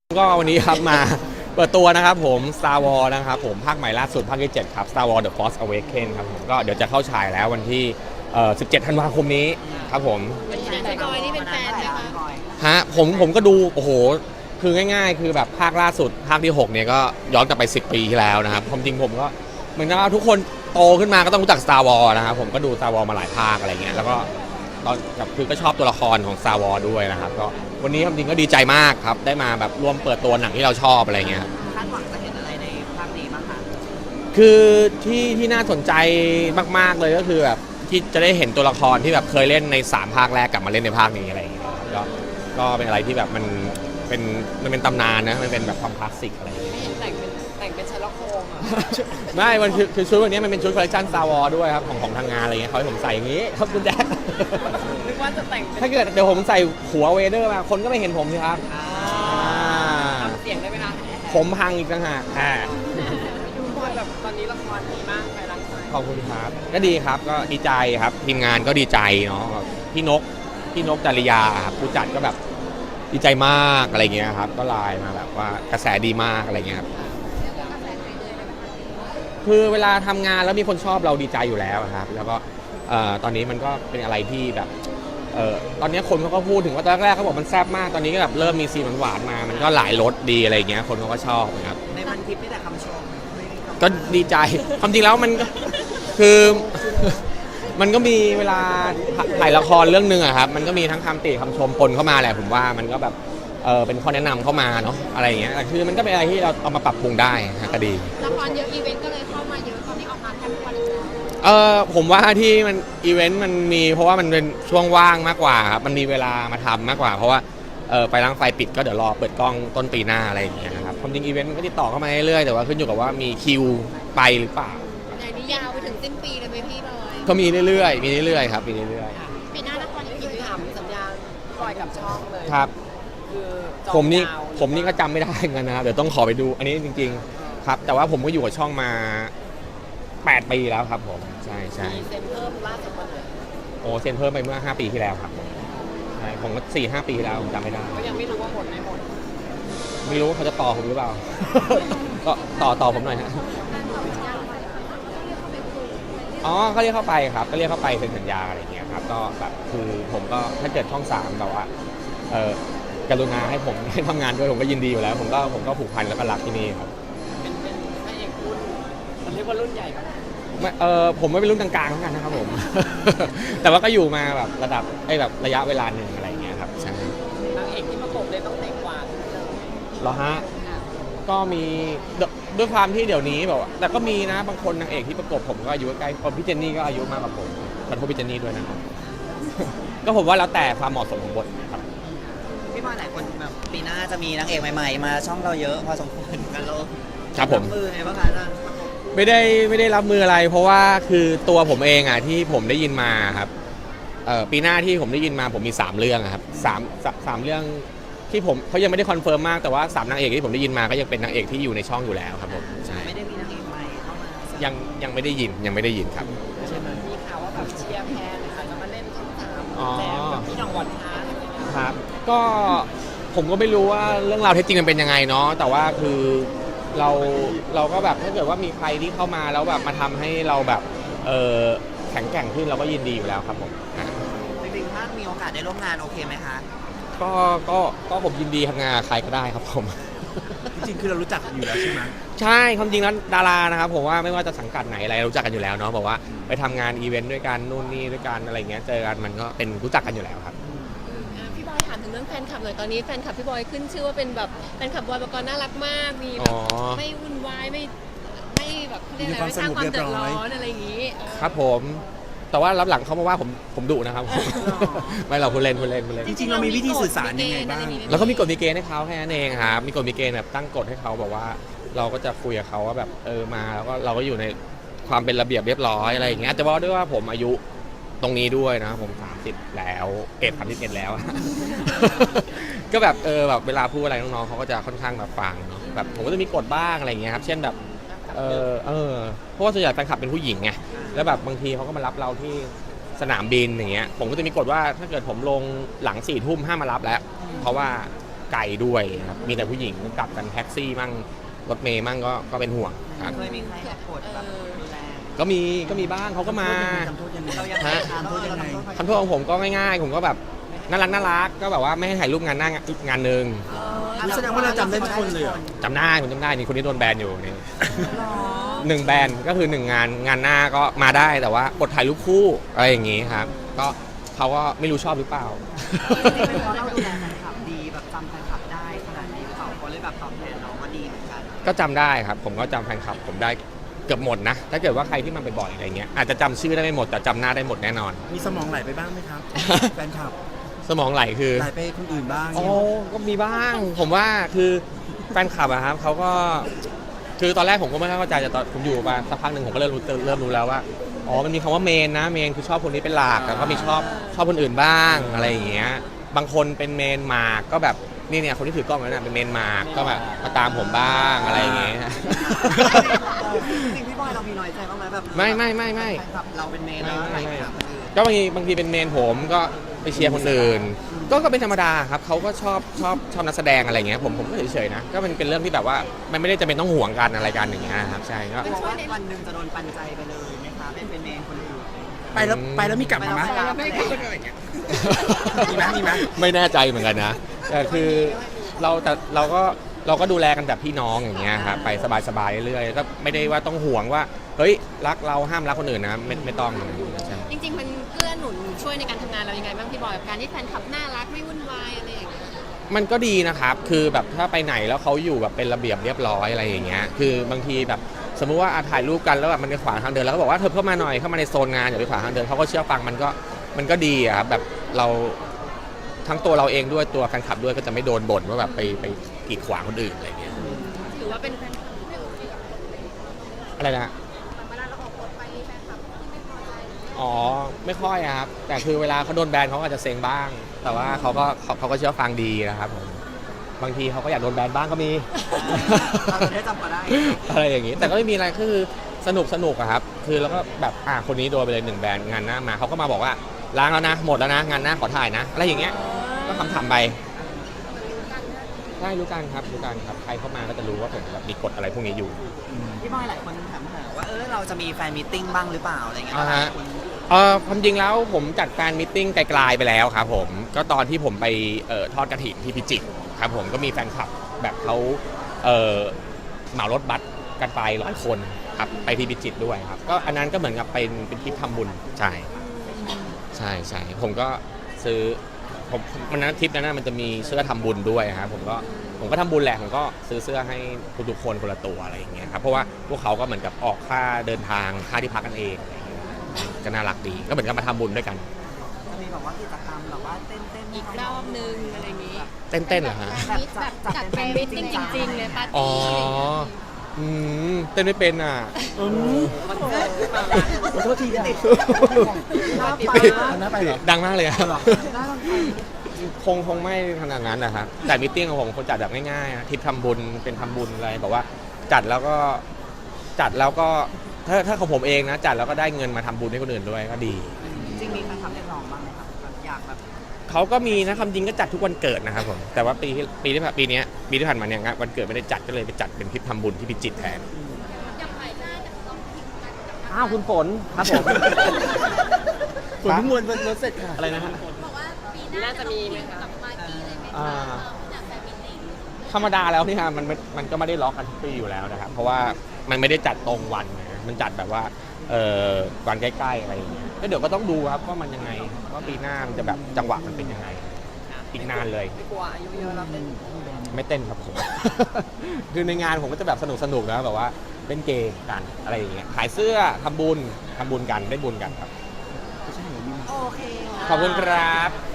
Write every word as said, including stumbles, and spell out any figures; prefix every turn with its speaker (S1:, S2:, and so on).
S1: ก็วันนี้ครับมาเปิดตัวนะครับผม Star Wars นะครับผมภาคใหม่ล่าสุดภาคที่เจ็ดครับ Star Wars The Force Awakens ครับผมก็เดี๋ยวจะเข้าฉายแล้ววันที่เอ่อสิบเจ็ดธันวาคมนี้ครับผม
S2: เป็นแฟนบอยนี่เป็นแฟนไหมคะ
S1: ฮะผมผมก็ดูโอ้โหคือง่ายๆคือแบบภาคล่าสุดภาคที่หกเนี่ยก็ย้อนกลับไปสิบปีที่แล้วนะครับความจริงผมก็เหมือนกับว่าทุกคนโตขึ้นมาก็ต้องรู้จัก Star Wars นะครับผมก็ดู Star Wars มาหลายภาคอะไรเงี้ยแล้วก็ตอนกับคือก็ชอบตัวละครของ Star Wars ด้วยนะครับก็วันนี้ความจริงก็ดีใจมากครับได้มาแบบร่วมเปิดตัวหนังที่เราชอบอะไรเงี้ย
S2: คาดหวังจะเห็นอะไรในภาคนี้บ้างคะ
S1: คือที่ที่น่าสนใจมากๆเลยก็คือแบบที่จะได้เห็นตัวละครที่แบบเคยเล่นในสามภาคแรกกลับมาเล่นในภาคนี้อะไรอย่างเงี้ยก็ก็เป็นอะไรที่แบบมันเป็นมันเป็นตำนานนะมันเป็นแบบความคลาสสิกอะไรอย่างเงี้ย
S2: ไม่เห็นแต่งเป็นแต่งเป็นชาร์ล็อกโฮมอ่ะ
S1: ไม่มันคือคือชุดวันนี้มันเป็นชุดคอลเลคชัน Star Wars ด้วยครับของของทางงานอะไรเงี้ยเขาให้ผมใส่อย่างงี้ครับคุณแจ๊ค
S2: นึกว่าจะแต่ง
S1: ถ้าเกิดเดี๋ยวผมใส่หัวเวเดอร์มาคนก็ไม่เห็นผมสิครับ
S2: ทำเสียงได้ไหมคะ
S1: ผมพังอีกต่างหากอ่า
S2: ดูบอยแบบตอนนี้ละครดีมากไปรังไฟ
S1: ขอบคุณครับก็ดีครับก็ดีใจครับทีมงานก็ดีใจเนาะพี่นกพี่นกจริยาครับผู้จัดก็แบบดีใจมากอะไรเงี้ยครับก็ไลน์มาแบบว่ากระแสดีมากอะไรเงี้ยครับคือเวลาทำงานแล้วมีคนชอบเราดีใจอยู่แล้วครับแล้วก็ตอนนี้มันก็เป็นอะไรที่แบบเออตอนนี้คนเขาก็พูดถึงว่าตอนแรกเขาบอกมันแซ่บมากตอนนี้ก็แบบเริ่มมีซีนหวานๆมามันก็หลายรสดีอะไรเงี้ยคนเขาก็ชอบนะครับ
S2: ในพันทิปไม่แต่คำชม
S1: ก็ดีใจความจริงแล้วมันคือมันก็มีเวลาถ่ายละครเรื่องนึงอะครับมันก็มีทั้งคำติคำชมปนเข้ามาแหละผมว่ามันก็แบบเออเป็นข้อแนะนำเข้ามาเนาะอะไรอย่างเงี้ยคือมันก็เป็นอะไรที่เราเอามาปรับปรุงได้ก็ดี
S3: ละครเยอะอีเวนต์ก็เลยเข้ามาเยอะตอนนี้ออกมาแทบทุกวันเลย
S1: เออผมว่าที่มันอีเวนต์มันมีเพราะว่ามันเป็นช่วงว่างมากกว่าครับมันมีเวลามาทำมากกว่าเพราะว่าเออไปล้างไฟปิดก็เดี๋ยวรอเปิดกล้องต้นปีหน้าอะไรอย่างเงี้ยนะครับความจริงอีเวนต์มันก็ติดต่อเข้ามาเรื่อยๆแต่ว่าขึ้นอยู่กับว่ามีคิวไปหรือเปล่า
S3: อย่างนี้ยาวไปถึงสิ้นปีเลยไหมพี่บอย
S1: ก็มีเรื่อยๆมีเรื่อยๆครับมีเรื่อย
S3: ๆปีหน้าละคร
S2: อีกถามสัญญาปล่อยกับช่องเลย
S1: ครับ
S2: คือ
S1: ผมนี่ผมนี่ก็จำไม่ได้กันนะครับเดี๋ยวต้องขอไปดูอันนี้จริงๆครับแต่ว่าผมก็อยู่กับช่องมาแปดปีแล้วครับผมใช่ใช่
S2: เซ็นเพิ่มล่าสุดวันไหน
S1: โอ้เซ็นเพิ่มไปเมื่อห้าปีที่แล้วครับใช่ผมก็สี่ห้าปีที่แล้วผมจำไม่ได้
S2: ก็ยังไม่รู้ว่าหมดไม่หมด
S1: ไม่รู้เขาจะต่อผมหรือเปล่าก็ต่อต่อผมหน่อยฮะอ๋อเขาเรียกเข้าไปครับก็เรียกเข้าไปเซ็นสัญญาอะไรอย่างเงี้ยครับก็แบบคือผมก็ถ้าเกิดช่องสามแบบว่าเออกรุณาให้ผมให้ทำงานด้วยผมก็ยินดีอยู่แล้วผมก็ผมก็ผูกพันแล้วก็รักที่นี่ครับ
S2: เป็นเป็นพระเอกรุ่นมันเรียกว่ารุ่นใหญ่ครับ
S1: ไม่เออผมไม่เป็นรุ่นกลางๆเหมือนกันนะครับผมแต่ว่าก็อยู่มาแบบระดับไอ้แบบระยะเวลาหนึ่งอะไรอย่างเงี้ยครับใช่
S2: นางเอกที่ประกบเลยต้องเด็กกว่า
S1: เหรอฮะก็มีด้วยความที่เดี๋ยวนี้แบบแต่ก็มีนะบางคนนางเอกที่ประกบผมก็อายุใกล้พี่เจนนี่ก็อายุมากกว่าผมขอโทษพี่เจนนี่ด้วยนะครับก็ผมว่าแล้วแต่ความเหมาะสมของบทครับ
S2: พี่บอยหลายคนแบบปีหน้าจะมีนางเอกใหม่ๆมาช่องเราเยอะพอสมควรกันโล
S1: ครับผม
S2: มือไงบ้างคะ
S1: ไม่ได้ไม่ได้รับมืออะไรเพราะว่าคือตัวผมเองอ่ะที่ผมได้ยินมาครับเอ่อปีหน้าที่ผมได้ยินมาผมมีสามเรื่องครับสามสามเรื่องที่ผมเขายังไม่ได้คอนเฟิร์มมากแต่ว่าสามนางเอกที่ผมได้ยินมาก็ยังเป็นนางเอกที่อยู่ในช่องอยู่แล้วครับผมใช่
S2: ไม่ได้มีนางเอกใหม่เข้ามา
S1: ยังยังไม่ได้ยินยังไม่ได้ยินครับ
S2: ใช่ไหมมีข่าวว่าแบบเชียร์แพนนะคะจะมาเล่นช่องสามแจมกับพี่น้องวันท้า
S1: ครับก็ผมก็ไม่รู้ว่าเรื่องราวเท็จจริงมันเป็นยังไงเนาะแต่ว่าคือเราเราก็แบบถ้าเกิดว่ามีใครที่เข้ามาแล้วแบบมาทำให้เราแบบเออแข็งแกร่งขึ้นเราก็ยินดีอยู่แล้วครับผม
S2: จริงๆถ้ามีโอกาสได้ร่วมงานโอเคไหมคะ
S1: ก็ก็ก็ผมยินดีทำงานใครก็ได้ครับผม
S2: จริงๆคือเรารู้จักอยู่แล้วใช่ไหม
S1: ใช่ความจริงแล้วดารานะครับผมว่าไม่ว่าจะสังกัดไหนอะไรรู้จักกันอยู่แล้วเนาะบอกว่าไปทำงานอีเวนต์ด้วยกันนู่นนี่ด้วยกันอะไรเงี้ยเจอกันมันก็เป็นรู้จักกันอยู่แล้วครับ
S3: พี่บอยถามถึงเรื่องแฟนคลับหน่อยตอนนี้แฟนคลับพี่บอยขึ้นชื่อว่าเป็นแบบแฟนคลับบอยปกรณ์น่ารักมากมีแบบไม่วุ่นวายไม่ไม่แบบเรียกอะไรไม่สร้างความเดือดร้อนอะไรอย่างนี้
S1: ครับผมแต่ว่ารับหลังเขามาว่าผมผมดุนะครับไม่เราพูดเล่นพูดเล่นพูดเล่น
S2: จริงๆเรามีวิธีสื่อสารยังไงบ้าง
S1: แล้วก็มีกฎมีเกณฑ์ให้เขาแค่นั้นเองครับมีกฎมีเกณฑ์แบบตั้งกฎให้เขาบอกว่าเราก็จะคุยกับเขาว่าแบบเออมาแล้วก็เราก็อยู่ในความเป็นระเบียบเรียบร้อยอะไรอย่างเงี้ยแต่ว่าด้วยว่าผมอายุตรงนี้ด้วยนะผมสามสิบแล้วเอ็ดสามสิบเอ็ดแล้วก็แบบเออแบบเวลาพูดอะไรน้องๆเขาก็จะค่อนข้างแบบฟังเนาะแบบผมก็จะมีกฎบ้างอะไรอย่างเงี้ยครับเช่นแบบเออเออเพราะว่าส่วนใหญ่แฟนคลับเป็นผู้หญิงไงแล้วแบบบางทีเขาก็มารับเราที่สนามบินอย่างเงี้ยผมก็จะมีกฎว่าถ้าเกิดผมลงหลังสี่ทุ่มห้ามมารับแล้วเพราะว่าไกลด้วยครับมีแต่ผู้หญิงกลับกันแท็กซี่มั่งรถเมย์มั่งก็ก็เป็นห่วงครับ
S2: เคยมีใครแบบกดแบบดูแล
S1: ก็มีก็มีบ้างเขาก็มา
S4: ทำโทษยังไง
S2: เรายังไง
S1: ฮะ
S2: คะเราเราทำโทษ
S1: คำโทษของผมก็ง่ายๆ ผมก็แบบน่ารักน่ารักก็แบบว่าไม่ให้ถ่ายรูปงานหน้างานหนึ่ง
S4: แสดงว่าเราจำได้ทุกคนเลยเหรอ
S1: จำได้ผมจำได้นี่คนที่โดนแบนอยู่นี่หนึ่งแบนก็คือหนึ่งงานงานหน้าก็มาได้แต่ว่าอดถ่ายรูปคู่อะไรอย่างงี้ครับ ก็เขาก็ไม่รู้ชอบหรือเปล่า
S2: จริงๆเป็นเพราะเราดูแลแฟนคลับดีแบบจำแฟนคลับได้ขนาดนี้หรือเปล่าเขาเลยแบบตอบแทนเรามาดีเหมือนกัน
S1: ก็จำได้ครับ ผมก็จำแฟนคลับผมได้เกือบหมดนะ ถ้าเกิดว่าใครที่มันไปบ่อยอะไรเงี้ยอาจจะจำชื่อได้ไม่หมดแต่จำหน้าได้หมดแน่นอน
S4: มีสมองไหลไปบ้างไหมครับ แฟนคลับ
S1: สมองไหลคือ
S4: ไหลไปคนอื่นบ้าง
S1: โอ้ก็มีบ้าง ผมว่าคือแฟนคลับอะครับเขาก็คือตอนแรกผมก็ไม่เข้าใจแต่ตอนผมอยู่มาสักพักหนึ่งผมก็เริ่มรู้เริ่มรู้แล้วว่าอ๋อมันมีคำว่าเมนนะเมนคือชอบคนนี้เป็นหลักแล้วก็มีชอบชอบคนอื่นบ้างอะไรอย่างเงี้ยบางคนเป็นเมนมาก็แบบนี่เนี่ยคนที่ถือกล้องนั้นนะเป็นเมนมาก็แบบมาตามผมบ้างอะไรอย่างเงี้ย
S2: จริงๆพี่บอยเรามีน้อยใจบ้างไหมแบบ
S1: ไม่ไม่ไม่ไม่
S2: แฟนคลับเราเป็นเมนแล้วใครคลับคนอื่น
S1: ก็บางทีบางทีเป็นเมนผมก็ไปเชียร์คนอื่น ก็ก็เป็นธรรมดาครับเขาก็ชอบชอบชอบนักแสดงอะไรเงี้ยผมผมก็เฉยๆนะก็มันเป็นเรื่องที่แบบว่ามันไม่ได้จำเป็นต้องห่วงกันอะไรกันอย่างเงี้ยครับใช่ก็
S2: กลัวว่าวันหนึ่งจะโดนปันใจไปเลยไหมคะเป็นเป็นเมนคนอื่น
S4: ไปแล้วไปแล้วมีกลับมาไหม
S2: ไปแล้ว
S4: มีไหมมีไหม
S1: ไม่แน่ใจเหมือนกันนะแต่คือเราแต่เราก็เราก็ดูแลกันแบบพี่น้องอย่างเงี้ยครับไปสบายๆเรื่อยๆก็ไม่ได้ว่าต้องห่วงว่าเฮ้ยรักเราห้ามรักคนอื่นนะไม่ไม่ต้องใช่
S3: จริงๆมันเกื้อหนุนช่วยในการทำงานเรายังไงบ้างพี่บอยกับการที่แฟนคลับน่ารักไม่วุ่นวายอะไรอย่างเงี้ย
S1: มันก็ดีนะครับ คือแบบถ้าไปไหนแล้วเขาอยู่แบบเป็นระเบียบเรียบร้อยอะไรอย่างเงี้ย คือบางทีแบบสมมุติว่าอ่ะถ่ายรูปกันแล้วแบบมันไปขวางทางเดินแล้วก็บอกว่าเธอเข้ามาหน่อยเข้ามาในโซนงานอย่าไปขวางทางเดินเขาก็เชื่อฟังมันก็มันก็ดีอะครับแบบเราทั้งตัวเราเองด้วยตัวแฟนคลับด้วยก็จะไม่โดนบ่นว่าแบบไปไปกีดขวางคนอื่นอะไรเงี้ย
S3: ถือว่าเป็นแฟน
S1: อะไรนะ
S3: เวลาเราออกรถไปแฟนคลับที่ไม่พอใจ
S1: อ๋อไม่ค่อยอะครับแต่คือเวลาเขาโดนแบนเขาก็อาจจะเซ็งบ้าง แต่ว่าเขาก็เขาเขาก็เชื่อฟังดีนะครับผมบางทีเขาก็อยากโดนแบนบ้างก็มี
S2: เราจะได้จำก็ได้
S1: อะไรอย่างนี้แต่ก็ไม่มีอะไรคือสนุกสนุกอะครับคือแล้วก็แบบอ่าคนนี้โดนไปเลยหนึ่งแบรนด์งานหน้ามาเขาก็มาบอกว่าล้างแล้วนะหมดแล้วนะงานหน้าขอถ่ายนะอะไรอย่างเงี้ยก็คำถามไปใช่รู้กันครับรู้กันครับใครเข้ามาก็จะรู้ว่าผมแบบมีกฎอะไรพวกนี้อยู่
S2: พี่บอยหลายคนถามหาว่าเออเราจะมีแฟนมีตติ้งบ้างหรือเปล่าอะไรเงี้ย
S1: อ่าฮะ
S2: คุณ
S1: เออความจริงแล้วผมจัดแฟนมิทติ้งไกลๆไปแล้วครับผมก็ตอนที่ผมไปเอ่อทอดกระถิ่นที่พิจิตรครับผมก็มีแฟนคลับแบบเขาเอ่อเหมารถบัสกันไปร้อยคนครับไปที่พิจิตรด้วยครับก็อันนั้นก็เหมือนกับเป็นเป็นทริปทำบุญใช่ใช่ใช่ผมก็ซื้อผมมันนั้นทริปนั้นนะมันจะมีเสื้อทำบุญด้วยครับผมก็ผมก็ทำบุญแหละผมก็ซื้อเสื้อให้ทุกๆคนคนละตัวอะไรอย่างเงี้ยครับเพราะว่าพวกเขาก็เหมือนกับออกค่าเดินทางค่าที่พักกันเองอะไรอย่างเงี้ยก็น่ารักดีก็เหมือนกับมาทำบุญด้วยกัน
S2: จะมีแบบว่ากิจกรรมแบบว่าเต้นเต้น
S3: อีกรอบนึงอะไรอย่างงี้
S1: เต้นๆเหรอฮะ
S3: แบบแบบจัดแฟนมิตติ้งจริงๆเลยปาร์
S1: อ๋อ
S3: ตี้อะไรอย่างเงี้ย
S1: อืมเต้นไม่เป็นอ่ะ
S4: อืม
S2: มันเกิดขึ้นมา
S4: ขอโทษทีอ่ะ
S2: หน้าไป
S4: เอาหน้าไปเหรอ
S1: ดังมากเลยครับ
S2: หน้าต้องไป
S1: คงคงไม่ขนาดนั้นนะครับแต่มิทติ้งของผมคนจัดแบบง่ายๆอะทริปทำบุญเป็นทำบุญอะไรแบบว่าจัดแล้วก็จัดแล้วก็ถ้าถ้าของผมเองนะจัดแล้วก็ได้เงินมาทำบุญให้คนอื่นด้วยก็ดี
S2: จริงมีแฟนคลับเรียกร้องบ้างไหมครับแบบอยากแบบ
S1: เขาก็มีนะคำจริงก็จัดทุกวันเกิดนะครับผมแต่ว่าปีที่ปีที่ผ่านปีเนี้ยปีที่ผ่านมาเนี่ยงานวันเกิดไม่ได้จัดก็เลยไปจัดเป็นทริปทำบุญที่พิจิตรแทนอ้าวคุณฝนครับผม
S4: ผลเพิ่งมวนรถเสร็จค่ะ
S1: อะไรนะฮะ
S3: น่าจะมีไหมคะ
S1: อ่าธรรมดาแล้วเนี่ยมันมันมันก็ไม่ได้ล็อกกันทุกปีอยู่แล้วนะครับเพราะว่ามันไม่ได้จัดตรงวันนะมันจัดแบบว่าเอ่อวันใกล้ๆอะไรอย่างเงี้ยก็เดี๋ยวก็ต้องดูครับว่ามันยังไงว่าปีหน้ามันจะแบบจังหวะมันเป็นยังไงอีกนานเลย
S2: ไม่กลัวอายุเยอะแล้วเต้น
S1: ไม่เต้นครับผม คือในงานผมก็จะแบบสนุกสนุกๆนะแบบว่าเล่นเกมกันอะไรอย่างเงี้ยขายเสื้อทำบุญทำบุญกันได้บุญกันครับ
S2: โอเค
S1: ขอบคุณครับ